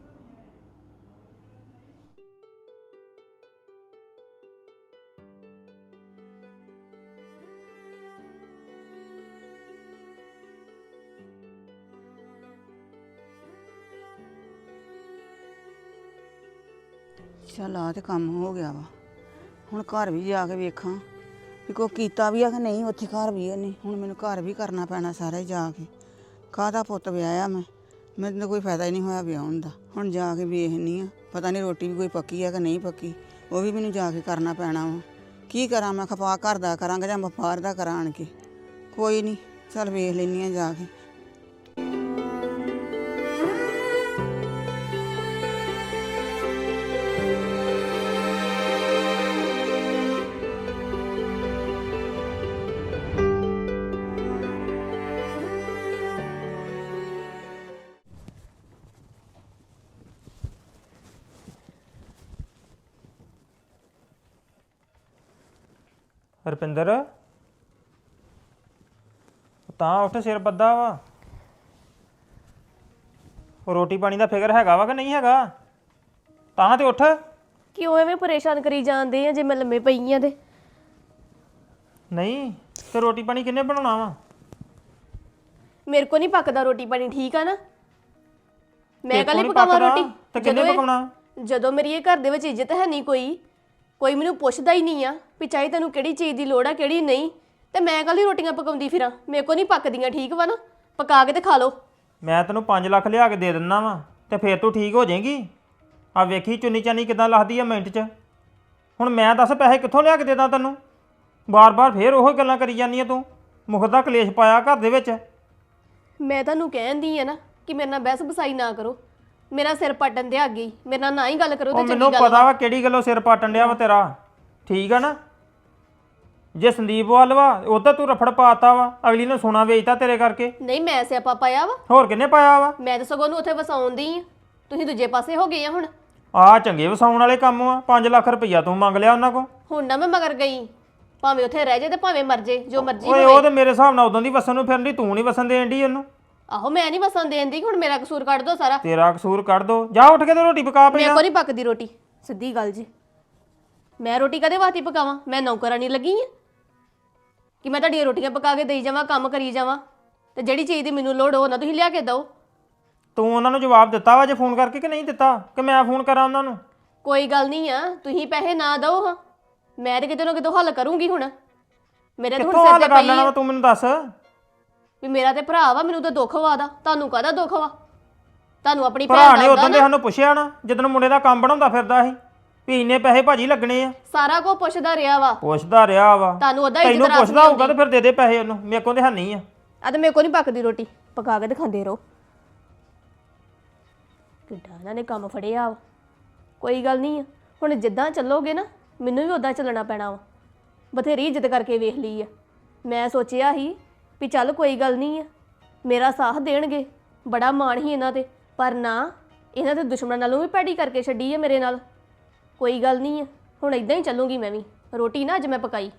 F: ਚੱਲ ਆ ਤੇ ਕੰਮ ਹੋ ਗਿਆ ਵਾ। ਹੁਣ ਘਰ ਵੀ ਜਾ ਕੇ ਵੇਖਾਂ ਵੀ ਕੋਈ ਕੀਤਾ ਵੀ ਆ ਕਿ ਨਹੀਂ। ਉੱਥੇ ਘਰ ਵੀ ਨਹੀਂ, ਹੁਣ ਮੈਨੂੰ ਘਰ ਵੀ ਕਰਨਾ ਪੈਣਾ ਸਾਰਾ ਹੀ ਜਾ ਕੇ। ਕਾਹਦਾ ਪੁੱਤ ਵਿਆਹਿਆ ਮੈਂ ਮੈਨੂੰ ਤਾਂ ਕੋਈ ਫਾਇਦਾ ਹੀ ਨਹੀਂ ਹੋਇਆ ਵਿਆਹੁਣ ਦਾ। ਹੁਣ ਜਾ ਕੇ ਵੇਖਨੀ ਆ, ਪਤਾ ਨਹੀਂ ਰੋਟੀ ਵੀ ਕੋਈ ਪੱਕੀ ਆ ਕਿ ਨਹੀਂ ਪੱਕੀ, ਉਹ ਵੀ ਮੈਨੂੰ ਜਾ ਕੇ ਕਰਨਾ ਪੈਣਾ ਵਾ। ਕੀ ਕਰਾਂ ਮੈਂ, ਖਪਾ ਘਰ ਦਾ ਕਰਾਂਗਾ ਜਾਂ ਵਪਾਰ ਦਾ ਕਰਾਂ ਆਣ ਕੇ? ਕੋਈ ਨਹੀਂ, ਚੱਲ ਵੇਖ ਲੈਂਦੀ ਆ ਜਾ ਕੇ।
B: ਰੁਪਿੰਦਰ ਤਾਂ ਉੱਠ, ਸਿਰ ਬੱਦਾ ਵਾ। ਉਹ ਰੋਟੀ ਪਾਣੀ ਦਾ ਫਿਕਰ ਹੈਗਾ ਵਾ ਕਿ ਨਹੀਂ ਹੈਗਾ? ਤਾਂ ਤੇ ਉੱਠ।
A: ਕਿਉਂ ਐਵੇਂ ਪਰੇਸ਼ਾਨ ਕਰੀ ਜਾਂਦੇ ਆ ਜੇ ਮੈਂ ਲੰਮੇ ਪਈ ਆ ਤੇ?
B: ਨਹੀਂ ਤੇ ਰੋਟੀ ਪਾਣੀ ਕਿੰਨੇ ਬਣਾਉਣਾ ਵਾ?
A: ਮੇਰੇ ਕੋ ਨਹੀਂ ਪੱਕਦਾ ਰੋਟੀ ਪਾਣੀ, ਠੀਕ ਆ ਨਾ? ਮੈਂ
B: ਤੇਰੇ
A: ਕੱਲ ਹੀ
B: ਕੋਲ ਨੀ
A: ਪਕਾਵਾਂ
B: ਪੱਕਦਾ,
A: ਰੋਟੀ?
B: ਤੇ ਕਿੰਨੇ
A: ਜਦੋਂ ਇਹ-
B: ਪਕਾਉਣਾ?
A: ਜਦੋਂ ਮੇਰੀ ਇਹ ਘਰ ਦੇ ਵਿੱਚ ਇੱਜ਼ਤ ਹੈ ਨਹੀਂ, ਕੋਈ ਕੋਈ ਮੈਨੂੰ ਪੁੱਛਦਾ ਹੀ ਨਹੀਂ ਆ ਵੀ ਚਾਹੇ ਤੈਨੂੰ ਕਿਹੜੀ ਚੀਜ਼ ਦੀ ਲੋੜ ਆ ਕਿਹੜੀ ਨਹੀਂ, ਤੇ ਮੈਂ ਕੱਲ ਹੀ ਰੋਟੀਆਂ ਪਕਾਉਂਦੀ ਫਿਰਾਂ। ਮੇਰੇ ਕੋ ਨਹੀਂ ਪੱਕਦੀਆਂ, ਠੀਕ ਵਾ ਨਾ? ਪਕਾ ਕੇ ਤੇ ਖਾ ਲਓ।
B: ਮੈਂ ਤੈਨੂੰ ਪੰਜ ਲੱਖ ਲਿਆ ਕੇ ਦੇ ਦਿੰਦਾ ਵਾ ਤੇ ਫੇਰ ਤੂੰ ਠੀਕ ਹੋ ਜਾਏਗੀ। ਆ ਵੇਖੀ ਚੁੰਨੀ ਚਾਨੀ ਕਿਦਾਂ ਲੱਥਦੀ ਆ ਮਿੰਟ 'ਚ। ਹੁਣ ਮੈਂ ਦੱਸ ਪੈਸੇ ਕਿੱਥੋਂ ਲਿਆ ਕੇ ਦੇ ਦਾਂ ਤੈਨੂੰ? ਬਾਰ-ਬਾਰ ਫੇਰ ਉਹੋ ਗੱਲਾਂ ਕਰੀ ਜਾਂਦੀ ਆ ਤੂੰ। ਮੁਖ ਦਾ ਕਲੇਸ਼ ਪਾਇਆ ਘਰ ਦੇ ਵਿੱਚ।
A: ਮੈਂ ਤੁਹਾਨੂੰ ਕਹਿੰਦੀ ਆ ਨਾ ਕਿ ਮੇਰੇ ਨਾਲ ਬਹਿਸ ਬਸਾਈ ਨਾ ਕਰੋ। ਮੇਰਾ ਸਿਰ ਪਟਣ ਦੇ ਅੱਗੇ ਹੀ ਮੇਰੇ ਨਾਲ ਨਾ ਹੀ ਗੱਲ ਕਰੋ
B: ਉਹ
A: ਤੇ ਚੰਗੀ
B: ਮੈਨੂੰ
A: ਗੱਲ
B: ਪਤਾ ਵਾ ਕਿਹੜੀ ਗੱਲੋਂ ਸਿਰ ਪਾਟਣ ਡਿਆ ਵਾ ਤੇਰਾ, ਠੀਕ ਆ ਨਾ? ਜੇ ਸੰਦੀਪ ਵੱਲ ਵਾ ਉਧਰ ਤੂੰ ਰਫੜ ਪਾਤਾ ਵਾ, ਅਗਲੀ ਨੇ ਸੋਨਾ ਵੇਚਤਾ ਤੇਰੇ ਕਰਕੇ।
A: ਨਹੀਂ, ਮੈਂ ਸਿਆਪਾ ਪਾਇਆ ਵਾ?
B: ਹੋਰ ਕਿੰਨੇ ਪਾਇਆ ਵਾ?
A: ਮੈਂ ਤਾਂ ਸਗੋਂ ਨੂੰ ਉੱਥੇ ਵਸਾਉਂਦੀ ਆ, ਤੁਸੀਂ ਦੂਜੇ ਪਾਸੇ ਹੋ ਗਏ ਆ। ਹੁਣ
B: ਆਹ ਚੰਗੇ ਵਸਾਉਣ ਵਾਲੇ ਕੰਮ ਆ। ਪੰਜ ਲੱਖ ਰੁਪਈਆ ਤੂੰ ਮੰਗ ਲਿਆ ਉਹਨਾਂ ਕੋਲ।
A: ਹੁਣ ਨਾ ਮੈਂ ਮਗਰ ਗਈ, ਭਾਵੇਂ ਉੱਥੇ ਰਹਿ ਜੇ ਤੇ ਭਾਵੇਂ ਮਰ ਜੇ, ਜੋ ਮਰਜ਼ੀ
B: ਓਏ
A: ਹੋਵੇ।
B: ਉਹ ਤੇ ਮੇਰੇ ਹਿਸਾਬ ਨਾਲ ਉਦੋਂ ਦੀ ਵਸਣ ਨੂੰ ਫਿਰਨ ਦੀ, ਤੂੰ ਨਹੀਂ ਵਸਣ ਦੇਣ ਦੀ ਉਹਨੂੰ।
A: ਆਹੋ, ਮੈਂ ਨਹੀਂ ਵਸਣ ਦੇਣ ਦੀ, ਹੁਣ ਮੇਰਾ ਕਸੂਰ ਕੱਢ ਦੋ ਸਾਰਾ।
B: ਤੇਰਾ ਕਸੂਰ ਕੱਢ ਦੋ। ਜਾ ਉੱਠ ਕੇ ਤੇ ਰੋਟੀ ਪਕਾ
A: ਮੇਰੇ
B: ਪਈ।
A: ਕੋਲ ਨਹੀਂ ਪੱਕਦੀ ਰੋਟੀ, ਸਿੱਧੀ ਗੱਲ ਜੀ। ਮੈਂ ਰੋਟੀ ਕਦੇ ਵਾਸਤੇ ਪਕਾਵਾਂ? ਮੈਂ ਨੌਕਰਾਨੀ ਲੱਗੀ ਆ ਕਿ ਮੈਂ ਤੁਹਾਡੀਆਂ ਰੋਟੀਆਂ ਪਕਾ ਕੇ ਦੇਈ ਜਾਵਾਂ, ਕੰਮ ਕਰੀ ਜਾਵਾਂ? ਤੇ ਜਿਹੜੀ ਚੀਜ਼ ਦੀ ਮੈਨੂੰ ਲੋੜ ਹੋ ਨਾ ਤੁਸੀਂ ਲਿਆ ਕੇ ਦਿਓ।
B: ਤੂੰ ਉਹਨਾਂ ਨੂੰ ਜਵਾਬ ਦਿੱਤਾ ਵਾ ਜੇ ਫੋਨ ਕਰਕੇ ਕਿ ਨਹੀਂ ਦਿੱਤਾ, ਕਿ ਮੈਂ ਫੋਨ ਕਰਾਂ ਉਹਨਾਂ ਨੂੰ?
A: ਕੋਈ ਗੱਲ ਨਹੀਂ ਆ, ਤੁਸੀਂ ਪੈਸੇ ਨਾ ਦਿਓ ਹਾਂ, ਮੈਂ ਤੇ ਕਿਤੇ ਨਾ ਕਿਤੇ ਹੱਲ ਕਰੂੰਗੀ। ਹੁਣ ਮੇਰੇ ਤਾਂ ਹੁਣ
B: ਕਿੱਥੋਂ
A: ਸਿਰ
B: ਹੱਲ
A: ਤੇ
B: ਕਰ
A: ਪਈ
B: ਲੈਣਾ
A: ਆ
B: ਵਾ ਤੂੰ ਮੈਨੂੰ ਦੱਸ।
A: ਵੀ ਮੇਰਾ ਤੇ ਭਰਾ ਵਾ, ਮੈਨੂੰ ਤਾਂ ਦੁੱਖ ਵਾ ਦਾ, ਤੁਹਾਨੂੰ ਕਾਹਦਾ ਦੁੱਖ ਵਾ? ਤੁਹਾਨੂੰ ਆਪਣੀ
B: ਭਰਾ
A: ਭੈਣ
B: ਨੇ
A: ਦਾ
B: ਉਦੋਂ
A: ਹੁੰਦਾ
B: ਦੇ
A: ਨਾ।
B: ਸਾਨੂੰ ਪੁੱਛਿਆ ਨਾ ਜਦੋਂ ਮੁੰਡੇ ਦਾ ਕੰਮ ਬਣਾਉਂਦਾ ਫਿਰਦਾ ਸੀ ਵੀ ਇੰਨੇ ਪੈਸੇ ਭਾਜੀ ਲੱਗਣੇ ਆ।
A: ਸਾਰਾ ਕੁਝ ਪੁੱਛਦਾ ਰਿਹਾ ਵਾ,
B: ਪੁੱਛਦਾ ਰਿਹਾ ਵਾ।
A: ਤੁਹਾਨੂੰ ਉਹਦਾ ਇੱਜ਼ਤ
B: ਤੈਨੂੰ
A: ਰਾਸ
B: ਪੁੱਛਦਾ
A: ਨਹੀਂ
B: ਹੋਊਗਾ ਤੇ ਫਿਰ ਦੇ ਦੇ ਪੈਸੇ ਉਹਨੂੰ। ਮੇਰੇ ਕੋਲ ਤੇ ਹੈ ਨਹੀਂ ਆ।
A: ਆ ਤੇ ਮੇਰੇ ਕੋਲ ਨਹੀਂ ਪੱਕਦੀ ਰੋਟੀ, ਪਕਾ ਕੇ ਦਿਖਾਉਂਦੇ ਰਹੋ। ਕਿੱਡਾ ਇਹਨਾਂ ਨੇ ਕੰਮ ਫੜਿਆ ਵਾ। ਕੋਈ ਗੱਲ ਨਹੀਂ ਆ, ਹੁਣ ਜਿੱਦਾਂ ਚੱਲੋਗੇ ਨਾ ਮੈਨੂੰ ਵੀ ਉਦਾਂ ਚੱਲਣਾ ਪੈਣਾ ਵਾ। ਬਥੇਰੀ ਇੱਜ਼ਤ ਕਰਕੇ ਵੇਖ ਲਈ ਆ। ਮੈਂ ਸੋਚਿਆ ਸੀ ਵੀ ਚੱਲ ਕੋਈ ਗੱਲ ਨਹੀਂ ਆ, ਮੇਰਾ ਸਾਥ ਦੇਣਗੇ, ਬੜਾ ਮਾਣ ਸੀ ਇਹਨਾਂ ਤੇ, ਪਰ ਨਾ, ਇਹਨਾਂ ਦੇ ਦੁਸ਼ਮਣਾਂ ਨਾਲੋਂ ਵੀ ਭੈੜੀ ਕਰਕੇ ਛੱਡੀ ਆ ਮੇਰੇ ਨਾਲ। ਕੋਈ ਗੱਲ ਨਹੀਂ ਆ, ਹੁਣ ਇਦਾਂ ਹੀ ਚੱਲੂਗੀ ਮੈਂ ਵੀ। ਰੋਟੀ ਨਾ ਅੱਜ ਮੈਂ ਪਕਾਈ।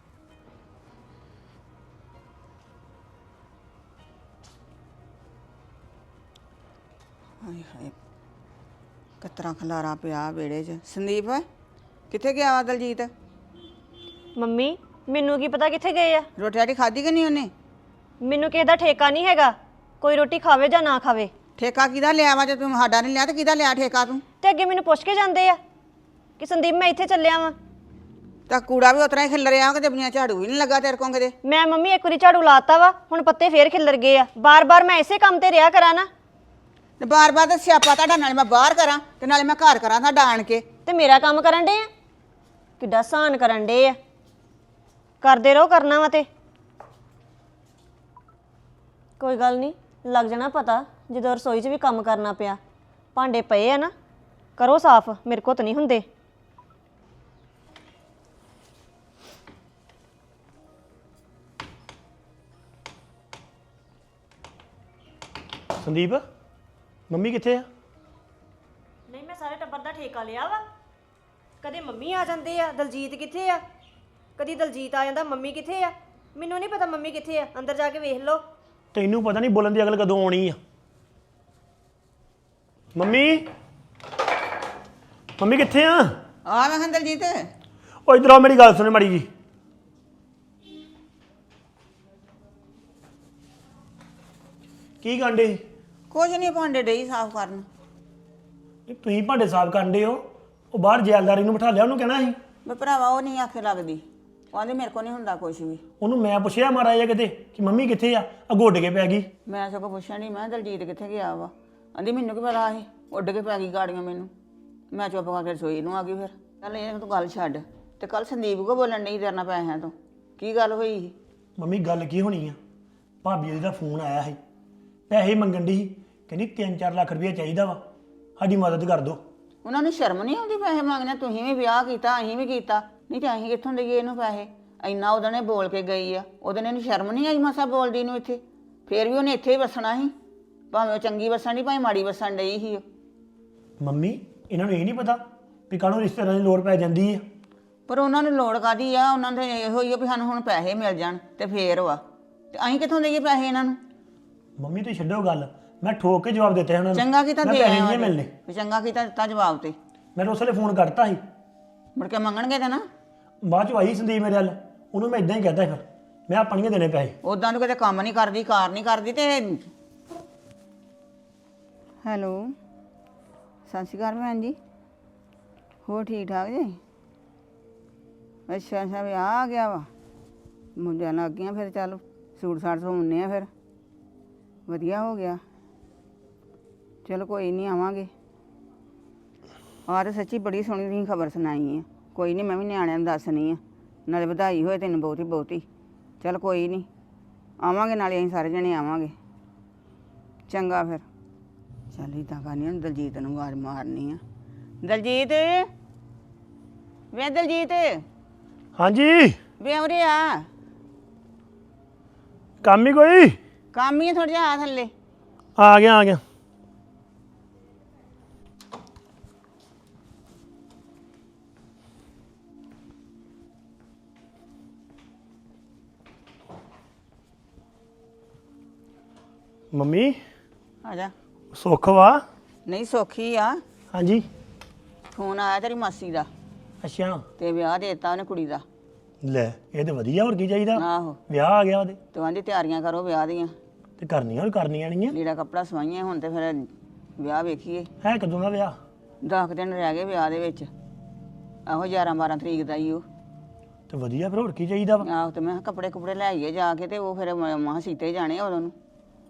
F: ਹਾਏ ਹਾਏ, ਕਤਰਾ ਖਲਾਰਾ ਪਿਆ ਵਿਹੜੇ 'ਚ। ਸੰਦੀਪ ਕਿੱਥੇ ਗਿਆ ਵਾ ਦਲਜੀਤ?
E: ਮੰਮੀ ਮੈਨੂੰ ਕੀ ਪਤਾ ਕਿੱਥੇ ਗਏ ਆ?
F: ਰੋਟੀ ਰਾਟੀ ਖਾਧੀ ਕਿ ਨਹੀਂ ਉਹਨੇ?
E: ਮੈਨੂੰ ਕਿਸੇ ਦਾ ਠੇਕਾ ਨਹੀਂ ਹੈਗਾ, ਕੋਈ ਰੋਟੀ ਖਾਵੇ ਜਾਂ ਨਾ ਖਾਵੇ।
F: ਠੇਕਾ ਕਿਹਦਾ ਲਿਆ ਵਾ? ਜੇ ਤੂੰ ਸਾਡਾ ਨਹੀਂ ਲਿਆ ਤੇ ਕਿਹਦਾ ਲਿਆ ਠੇਕਾ ਤੂੰ?
E: ਤੇ ਅੱਗੇ ਮੈਨੂੰ ਪੁੱਛ ਕੇ ਜਾਂਦੇ ਆ ਕਿ ਸੰਦੀਪ ਮੈਂ ਇੱਥੇ ਚੱਲਿਆ ਵਾਂ।
F: ਤਾਂ ਕੂੜਾ ਵੀ ਉਤਰਾ ਹੀ ਖਿਲਰਿਆ ਕਿ ਜਬੀਆਂ ਝਾੜੂ ਵੀ ਨਹੀਂ ਲੱਗਾ ਤੇਰੇ ਕੋਲ ਕਿਤੇ?
E: ਮੈਂ ਮੰਮੀ ਇੱਕ ਵਾਰੀ ਝਾੜੂ ਲਾਤਾ ਵਾ, ਹੁਣ ਪੱਤੇ ਫੇਰ ਖਿੱਲਰ ਗਏ ਆ। ਬਾਰ-ਬਾਰ ਮੈਂ ਇਸੇ ਕੰਮ ਤੇ ਰਿਹਾ ਕਰਾਂ ਨਾ।
F: ਤੇ ਬਾਰ-ਬਾਰ ਤਾਂ ਸਿਆਪਾ ਤੁਹਾਡਾ, ਨਾਲੇ ਮੈਂ ਬਾਹਰ ਕਰਾਂ ਤੇ ਨਾਲੇ ਮੈਂ ਘਰ ਕਰਾਂ ਤੁਹਾਡਾ ਆਣ ਕੇ।
E: ਤੇ ਮੇਰਾ ਕੰਮ ਕਰਨ ਡੇ ਆ, ਕਿੱਡਾ ਸਾਨ ਕਰਨ ਡੇ ਆ। ਕਰਦੇ ਰਹੋ, ਕਰਨਾ ਵਾ ਤੇ ਕੋਈ ਗੱਲ ਨਹੀਂ, ਲੱਗ ਜਾਣਾ ਪਤਾ ਜਦੋਂ ਰਸੋਈ 'ਚ ਵੀ ਕੰਮ ਕਰਨਾ ਪਿਆ। ਭਾਂਡੇ ਪਏ ਆ ਨਾ, ਕਰੋ ਸਾਫ਼, ਮੇਰੇ ਕੋਲ ਤਾਂ ਨਹੀਂ ਹੁੰਦੇ।
D: ਸੰਦੀਪ ਮੰਮੀ ਕਿੱਥੇ ਆ?
E: ਨਹੀਂ, ਮੈਂ ਸਾਰੇ ਟੱਬਰ ਦਾ ਠੇਕਾ ਲਿਆ ਵਾ। ਕਦੇ ਮੰਮੀ ਆ ਜਾਂਦੇ ਆ, ਦਲਜੀਤ ਕਿੱਥੇ ਆ? ਕਦੀ ਦਲਜੀਤ ਆ ਜਾਂਦਾ, ਮੰਮੀ ਕਿੱਥੇ ਆ? ਮੈਨੂੰ ਨਹੀਂ ਪਤਾ ਮੰਮੀ ਕਿੱਥੇ ਆ, ਅੰਦਰ ਜਾ ਕੇ ਵੇਖ ਲਓ।
D: ਤੈਨੂੰ ਪਤਾ ਨਹੀਂ ਬੋਲਣ ਦੀ ਅਕਲ ਕਦੋਂ ਆਉਣੀ ਆ? ਮੰਮੀ ਮੰਮੀ ਕਿੱਥੇ ਆ?
F: ਆ ਮੈਂ ਕਿਹਾ ਦਲਜੀਤ,
D: ਉਹ ਇਧਰ ਆ, ਮੇਰੀ ਗੱਲ ਸੁਣ ਮਾੜੀ ਜੀ। ਕੀ ਕਾਂਡੇ?
F: ਕੁਝ ਨਹੀਂ, ਭਾਂਡੇ ਡਈ ਸਾਫ਼ ਕਰਨ।
D: ਤੁਸੀਂ ਭਾਂਡੇ ਸਾਫ਼ ਕਰਦੇ ਹੋ, ਉਹ ਬਾਹਰ ਜੈਲਦਾਰੀ ਨੂੰ ਬਿਠਾ ਲਿਆ, ਉਹਨੂੰ ਕਹਿਣਾ ਸੀ।
F: ਮੈਂ ਭਰਾਵਾ ਉਹ ਨਹੀਂ ਆਖੇ ਲੱਗਦੀ, ਉਹ ਆਂਦੀ ਮੇਰੇ ਕੋਲ ਨਹੀਂ ਹੁੰਦਾ ਕੁਝ ਵੀ।
D: ਉਹਨੂੰ ਮੈਂ ਪੁੱਛਿਆ ਮਾਰਾ ਜਿਹਾ ਕਿਤੇ ਕਿ ਮੰਮੀ ਕਿੱਥੇ ਆ? ਅਗੋਡ ਕੇ ਪੈ ਗਈ।
F: ਮੈਂ ਸਗੋਂ ਪੁੱਛਿਆ ਨਹੀਂ, ਮੈਂ ਕਿਹਾ ਦਲਜੀਤ ਕਿੱਥੇ ਗਿਆ ਵਾ? ਆਂਦੀ ਮੈਨੂੰ ਕੀ ਪਤਾ ਸੀ, ਉੱਡ ਕੇ ਪੈ ਗਈ ਗਾੜੀਆਂ ਮੈਨੂੰ। ਮੈਂ ਚੁੱਪ ਕਰਕੇ ਰਸੋਈ ਨੂੰ ਆ ਗਈ ਫਿਰ। ਚੱਲ ਇਹ ਤੂੰ ਗੱਲ ਛੱਡ, ਤੇ ਕੱਲ ਸੰਦੀਪ ਕੋ ਬੋਲਣ ਨਹੀਂ ਤੇਰੇ ਨਾਲ ਪੈਸਿਆਂ ਤੋਂ ਕੀ ਗੱਲ ਹੋਈ ਸੀ?
D: ਮੰਮੀ ਗੱਲ ਕੀ ਹੋਣੀ ਆ, ਭਾਬੀ ਉਹਦਾ ਫੋਨ ਆਇਆ ਸੀ, ਪੈਸੇ ਮੰਗਣ ਦੀ ਸੀ, ਕਹਿੰਦੀ ਤਿੰਨ ਚਾਰ ਲੱਖ ਰੁਪਏ ਚਾਹੀਦਾ ਵਾ, ਸਾਡੀ ਮਦਦ ਕਰ ਦਿਓ।
F: ਉਹਨਾਂ ਨੂੰ ਸ਼ਰਮ ਨਹੀਂ ਆਉਂਦੀ ਪੈਸੇ ਮੰਗਣੇ? ਤੁਸੀਂ ਵੀ ਵਿਆਹ ਕੀਤਾ, ਅਸੀਂ ਵੀ ਕੀਤਾ, ਨਹੀਂ ਤਾਂ ਅਸੀਂ ਕਿੱਥੋਂ ਦੇਈਏ ਇਹਨੂੰ ਪੈਸੇ? ਇੰਨਾ ਉਹਦੇ ਨੇ ਬੋਲ ਕੇ ਗਈ ਆ, ਉਹਦੇ ਨੇ ਇਹਨੂੰ ਸ਼ਰਮ ਨਹੀਂ ਆਈ ਮਸਾ ਬੋਲਦੀ ਨੂੰ ਇੱਥੇ? ਫੇਰ ਵੀ ਉਹਨੇ ਇੱਥੇ ਹੀ ਵਸਣਾ ਸੀ, ਭਾਵੇਂ ਉਹ ਚੰਗੀ ਵਸਣ ਦੀ ਭਾਵੇਂ ਮਾੜੀ ਵਸਣ ਡਈ ਸੀ।
D: ਮੰਮੀ ਇਹਨਾਂ ਨੂੰ ਇਹ ਨਹੀਂ ਪਤਾ ਵੀ ਕਾਹਨੂੰ ਰਿਸ਼ਤੇਦਾਰਾਂ ਦੀ ਲੋੜ ਪੈ ਜਾਂਦੀ ਆ।
F: ਪਰ ਉਹਨਾਂ ਨੂੰ ਲੋੜ ਕਾਦੀ ਆ? ਉਹਨਾਂ ਦੇ ਇਹੋ ਹੀ ਆ ਵੀ ਸਾਨੂੰ ਹੁਣ ਪੈਸੇ ਮਿਲ ਜਾਣ ਤੇ ਫੇਰ ਵਾ, ਤੇ ਅਸੀਂ ਕਿੱਥੋਂ ਦੇਈਏ ਪੈਸੇ ਇਹਨਾਂ ਨੂੰ?
D: ਮੰਮੀ ਤੁਸੀਂ ਛੱਡੋ ਗੱਲ, ਮੈਂ ਠੋਕ ਕੇ ਜਵਾਬ ਦਿੱਤਾ ਉਹਨਾਂ ਨੂੰ।
F: ਚੰਗਾ ਕੀਤਾ
D: ਮੈਂ
F: ਦੇ
D: ਪੈਸੇ
F: ਆਇਆ
D: ਨਹੀਂ ਮਿਲਣੇ।
F: ਵੀ ਚੰਗਾ ਕੀਤਾ ਦਿੱਤਾ ਜਵਾਬ ਤੇ।
D: ਮੈਂ ਤਾਂ ਉਸ ਵੇਲੇ ਫੋਨ ਕਰਤਾ ਸੀ,
F: ਮੁੜ ਕੇ ਮੰਗਣਗੇ ਤੇ ਨਾ।
D: ਬਾਅਦ ਚ ਆਈ ਸੰਦੀਪ ਮੇਰੇ ਵੱਲ, ਉਹਨੂੰ ਮੈਂ ਇਦਾਂ ਹੀ ਕਹਿਤਾ ਫਿਰ ਮੈਂ ਆਪਾਂ ਨਹੀਂ ਦੇਣੇ ਪੈਸੇ।
F: ਉਦਾਂ ਨੂੰ ਕਿਤੇ ਕੰਮ ਨਹੀਂ ਕਰਦੀ, ਕਾਰ ਨਹੀਂ ਕਰਦੀ ਤੇ। ਹੈਲੋ, ਸਤਿ ਸ਼੍ਰੀ ਅਕਾਲ ਭੈਣ ਜੀ, ਹੋਰ ਠੀਕ ਠਾਕ ਜੀ? ਅੱਛਾ ਅੱਛਾ, ਵਿਆਹ ਆ ਗਿਆ ਵਾ, ਮੁੰਡਿਆਂ ਲੱਗ ਗਈਆਂ ਫਿਰ। ਚੱਲ ਸੂਟ ਸਾਟ ਸਵਾਉਂਦੇ ਆ ਫਿਰ, ਵਧੀਆ ਹੋ ਗਿਆ। ਚਲੋ ਕੋਈ ਨਹੀਂ, ਆਵਾਂਗੇ। ਆਹ ਤਾਂ ਸੱਚੀ ਬੜੀ ਸੋਹਣੀ ਤੁਸੀਂ ਖਬਰ ਸੁਣਾਈ ਹੈ। ਕੋਈ ਨਹੀਂ, ਮੈਂ ਵੀ ਨਿਆਣਿਆਂ ਨੂੰ ਦੱਸਣੀ ਆ, ਨਾਲੇ ਵਧਾਈ ਹੋਏ ਤੈਨੂੰ ਬਹੁਤੀ ਬਹੁਤੀ। ਚਲ ਕੋਈ ਨਹੀਂ, ਆਵਾਂਗੇ, ਨਾਲੇ ਅਸੀਂ ਸਾਰੇ ਜਣੇ ਆਵਾਂਗੇ। ਚੰਗਾ ਫਿਰ। ਚੱਲ ਇੱਦਾਂ ਕਰਨੀ, ਹੁਣ ਦਲਜੀਤ ਨੂੰ ਆਵਾਜ਼ ਮਾਰਨੀ ਆ। ਦਲਜੀਤ, ਵੇ ਦਲਜੀਤ,
D: ਹਾਂਜੀ
F: ਵੇ ਉਰੇ ਆ।
D: ਕੰਮ ਹੀ ਕੋਈ?
F: ਕੰਮ ਹੀ ਥੋੜਾ ਜਿਹਾ, ਆ ਥੱਲੇ।
D: ਆ ਗਿਆ ਆ ਗਿਆ। ਮੰਮੀ
F: ਆ ਜਾ।
D: ਸੁੱਖ ਵਾ?
F: ਨਹੀਂ ਸੌਖੀ ਆ।
D: ਹਾਂਜੀ।
F: ਫੋਨ ਆਇਆ ਤੇਰੀ ਮਾਸੀ ਦਾ,
D: ਅੱਛਾ,
F: ਤੇ ਵਿਆਹ ਦੇ ਦਿੱਤਾ ਉਹਨੇ ਕੁੜੀ ਦਾ।
D: ਲੈ ਇਹ ਤੇ ਵਧੀਆ, ਹੋਰ ਕੀ ਚਾਹੀਦਾ?
F: ਆਹੋ,
D: ਵਿਆਹ ਆ ਗਿਆ ਉਹਦੇ,
F: ਤੇ ਕਹਿੰਦੀ ਤਿਆਰੀਆਂ ਕਰੋ ਵਿਆਹ ਦੀਆਂ,
D: ਤੇ ਕਰਨੀਆਂ ਹੋਰ ਕਰਨੀਆਂ ਨਹੀਂ ਆ।
F: ਲੀੜਾ ਕੱਪੜਾ ਸਵਾਈਆਂ, ਹੁਣ ਤੇ ਫਿਰ ਵਿਆਹ ਵੇਖੀਏ।
D: ਹੈ ਕਦੋਂ ਦਾ ਵਿਆਹ?
F: ਦਸ ਦਿਨ ਰਹਿ ਗਏ ਵਿਆਹ ਦੇ ਵਿੱਚ, ਆਹੋ ਗਿਆਰਾਂ ਬਾਰਾਂ ਤਰੀਕ ਦਾ ਹੀ ਉਹ।
D: ਤੇ ਵਧੀਆ, ਫਿਰ ਹੋਰ ਕੀ ਚਾਹੀਦਾ ਵਾ?
F: ਆਹੋ, ਤੇ ਮੈਂ ਕਿਹਾ ਕੱਪੜੇ ਕੁਪੜੇ ਲੈ ਆਈਏ ਜਾ ਕੇ, ਤੇ ਉਹ ਫਿਰ ਮਾਂ ਸੀਤੇ ਜਾਣੇ ਉਦੋਂ ਨੂੰ।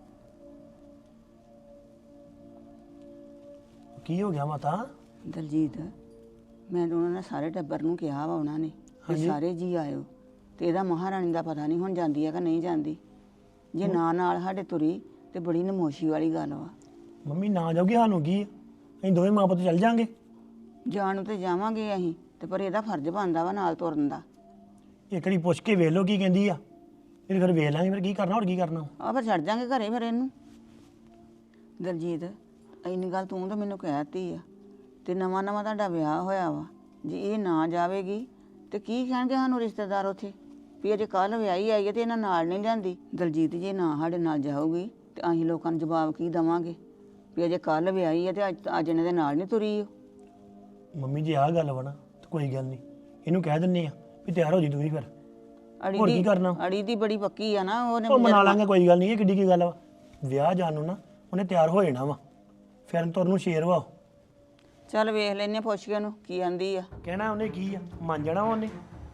D: ਕੀ ਹੋ ਗਿਆ ਮਾਤਾ?
F: ਦਲਜੀਤ, ਮੈਂ ਤਾਂ ਉਹਨਾਂ ਨੇ ਸਾਰੇ ਟੱਬਰ ਨੂੰ ਕਿਹਾ ਵਾ, ਉਹਨਾਂ ਨੇ ਵੀ ਸਾਰੇ ਜੀ ਆਇਓ, ਤੇ ਇਹਦਾ ਮਹਾਰਾਣੀ ਦਾ ਪਤਾ ਨਹੀਂ ਹੁਣ ਜਾਂਦੀ ਹੈ ਕਿ ਨਹੀਂ ਜਾਂਦੀ। ਜੇ ਨਾ ਨਾਲ ਸਾਡੇ ਤੁਰੀ ਤੇ ਬੜੀ ਨਮੋਸ਼ੀ ਵਾਲੀ ਗੱਲ ਵਾ।
D: ਮੰਮੀ ਨਾ ਜਾਓਗੇ ਸਾਨੂੰ ਕੀ ਆ? ਅਸੀਂ ਦੋਵੇਂ ਮਾਂ ਪੁੱਤ ਚੱਲ ਜਾਾਂਗੇ।
F: ਜਾਣ ਨੂੰ ਤੇ ਜਾਵਾਂਗੇ ਅਸੀਂ, ਤੇ ਪਰ ਇਹਦਾ ਫਰਜ਼ ਬਣਦਾ ਵਾ ਨਾਲ ਤੁਰਨ ਦਾ।
D: ਇੱਕ ਵਾਰੀ ਪੁੱਛ ਕੇ ਵੇਖ ਲਓ ਕੀ ਕਹਿੰਦੀ ਆ, ਫਿਰ ਫਿਰ ਵੇਖ ਲਾਂਗੇ ਫਿਰ ਕੀ ਕਰਨਾ, ਹੋਰ ਕੀ ਕਰਨਾ।
F: ਆ ਫਿਰ ਛੱਡ ਜਾਾਂਗੇ ਘਰੇ ਫਿਰ ਇਹਨੂੰ। ਦਲਜੀਤ, ਇੰਨੀ ਗੱਲ ਤੂੰ ਤਾਂ ਮੈਨੂੰ ਕਹਿ ਦਿੱਤੀ ਆ, ਤੇ ਨਵਾਂ ਨਵਾਂ ਤੁਹਾਡਾ ਵਿਆਹ ਹੋਇਆ ਵਾ, ਜੇ ਇਹ ਨਾ ਜਾਵੇਗੀ ਤੇ ਕੀ ਕਹਿਣਗੇ ਸਾਨੂੰ ਰਿਸ਼ਤੇਦਾਰ ਉੱਥੇ ਵੀ ਅਜੇ ਕੱਲ ਵਿਆਹੀ ਆਈ ਹੈ ਤੇ ਇਹਨਾਂ ਨਾਲ ਨਹੀਂ ਜਾਂਦੀ। ਦਲਜੀਤ, ਜੇ ਨਾ ਸਾਡੇ ਨਾਲ ਜਾਊਗੀ ਤੇ ਅਸੀਂ ਲੋਕਾਂ ਨੂੰ ਜਵਾਬ ਕੀ ਦੇਵਾਂਗੇ ਵੀ ਅਜੇ ਕੱਲ ਵਿਆਹੀ ਹੈ ਤੇ ਅੱਜ ਅੱਜ ਇਹਨਾਂ ਦੇ ਨਾਲ ਨਹੀਂ ਤੁਰੀ ਉਹ।
D: ਮੰਮੀ ਜੀ ਆਹ ਗੱਲ ਵਾ ਨਾ, ਤੇ ਕੋਈ ਗੱਲ ਨਹੀਂ, ਇਹਨੂੰ ਕਹਿ ਦਿੰਨੇ ਆ ਵੀ ਤਿਆਰ ਹੋ ਜੀ ਤੂੰ ਵੀ ਫਿਰ।
F: ਅੜੀ
D: ਹੋਰ ਕੀ
F: ਦੀ
D: ਕਰਨਾ?
F: ਅੜੀ ਦੀ ਬੜੀ ਪੱਕੀ ਆ ਨਾ ਉਹਨੇ।
D: ਉਹ ਮਨਾ ਲਾਂਗੇ, ਕੋਈ ਗੱਲ ਨਹੀਂ, ਇਹ ਕਿੱਡੀ ਕੀ ਗੱਲ ਵਾ। ਵਿਆਹ ਜਾਣ ਨੂੰ ਨਾ ਉਹਨੇ ਤਿਆਰ ਹੋ ਜਾਣਾ ਵਾ, ਫਿਰ ਤੁਰ ਨੂੰ ਸ਼ੇਰ ਵਾ।
F: ਚੱਲ ਵੇਖ ਲੈਨੇ, ਪੁੱਛ ਕੇ ਉਹਨੂੰ ਕੀ ਆਂਦੀ ਆ।
D: ਕਹਿਣਾ ਉਹਨੇ ਕੀ ਆ, ਮੰਨ ਜਾਣਾ ਉਹਨੇ।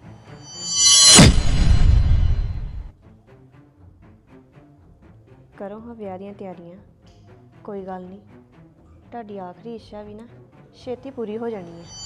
E: ਕਰੋ ਹਾਂ ਵਿਆਹ ਦੀਆਂ ਤਿਆਰੀਆਂ, ਕੋਈ ਗੱਲ ਨਹੀਂ, ਤੁਹਾਡੀ ਆਖਰੀ ਇੱਛਾ ਵੀ ਨਾ ਛੇਤੀ ਪੂਰੀ ਹੋ ਜਾਣੀ ਹੈ।